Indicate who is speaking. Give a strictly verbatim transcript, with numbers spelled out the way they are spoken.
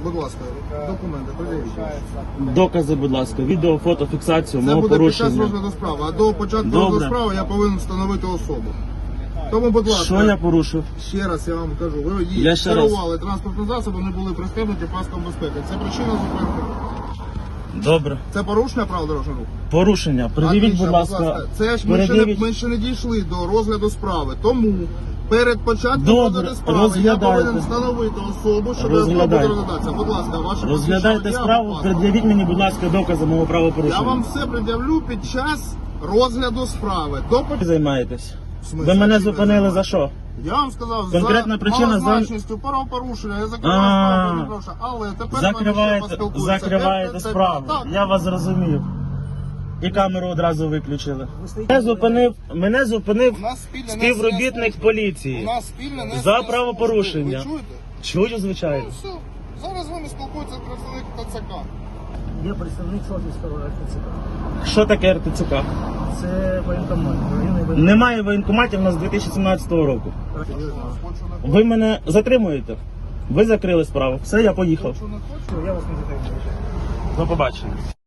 Speaker 1: Будь ласка, документи, перевірте.
Speaker 2: Докази, будь ласка, відео, фото, фіксацію
Speaker 1: Це
Speaker 2: мого
Speaker 1: буде під час
Speaker 2: порушення.
Speaker 1: розгляду справи, а до початку
Speaker 2: Добре.
Speaker 1: розгляду справи я повинен встановити особу. Тому, будь ласка,
Speaker 2: Що я порушив?
Speaker 1: ще раз я вам кажу, ви
Speaker 2: Я ще
Speaker 1: керували транспортним засобом, не були пристебнуті паском безпеки. Це причина зупинки.
Speaker 2: Добре.
Speaker 1: Це порушення правил дорожнього руху?
Speaker 2: Порушення. Пред'явіть,
Speaker 1: Отлично,
Speaker 2: будь ласка.
Speaker 1: Це ж ми ще, не,
Speaker 2: Передивіть.
Speaker 1: ми ще не дійшли до розгляду справи. Тому перед початком
Speaker 2: Добре,
Speaker 1: розгляду справи я
Speaker 2: розглядайте.
Speaker 1: повинен встановити особу, щоб особа буде
Speaker 2: Розглядайте.
Speaker 1: розглядатися. Будь ласка, ваше
Speaker 2: Розглядайте
Speaker 1: посвідчення
Speaker 2: справу,
Speaker 1: водія,
Speaker 2: пред'явіть мені, будь ласка, докази мого
Speaker 1: Я
Speaker 2: правопорушення.
Speaker 1: вам все пред'явлю під час розгляду справи. До
Speaker 2: Ви займаєтесь?
Speaker 1: В смислі,
Speaker 2: Ви мене
Speaker 1: чим я
Speaker 2: зупинили за
Speaker 1: займаюся?
Speaker 2: що?
Speaker 1: Я вам сказав,
Speaker 2: Конкретна
Speaker 1: за
Speaker 2: причина за-
Speaker 1: малозначністю правопорушення, я закриваю
Speaker 2: А.
Speaker 1: справу, не прошу. Але тепер ми ще
Speaker 2: Закриваєте,
Speaker 1: поспілкуємося.
Speaker 2: закриваєте
Speaker 1: Це- це-
Speaker 2: справу.
Speaker 1: Так.
Speaker 2: Я вас зрозумів. І камеру одразу виключили. Мене зупинив, мене зупинив
Speaker 1: У нас спільне
Speaker 2: співробітник
Speaker 1: несення служби.
Speaker 2: поліції.
Speaker 1: У нас спільне несення
Speaker 2: За
Speaker 1: служби.
Speaker 2: правопорушення.
Speaker 1: Ви чуєте?
Speaker 2: Чую, звичайно.
Speaker 1: Ну все. Зараз з вами спілкується представник ТЦК.
Speaker 3: Я представник Салтівського РТЦК.
Speaker 2: Що таке РТЦК?
Speaker 3: Це воєнкомат. Районний воєнкомат.
Speaker 2: Немає воєнкоматів у нас з дві тисячі сімнадцятого року.
Speaker 1: Хочу не
Speaker 2: Ви мене затримуєте? Ви закрили справу. Все, я поїхав.
Speaker 1: хочу, не хочу.
Speaker 3: Я вас не затримую.
Speaker 2: До побачення.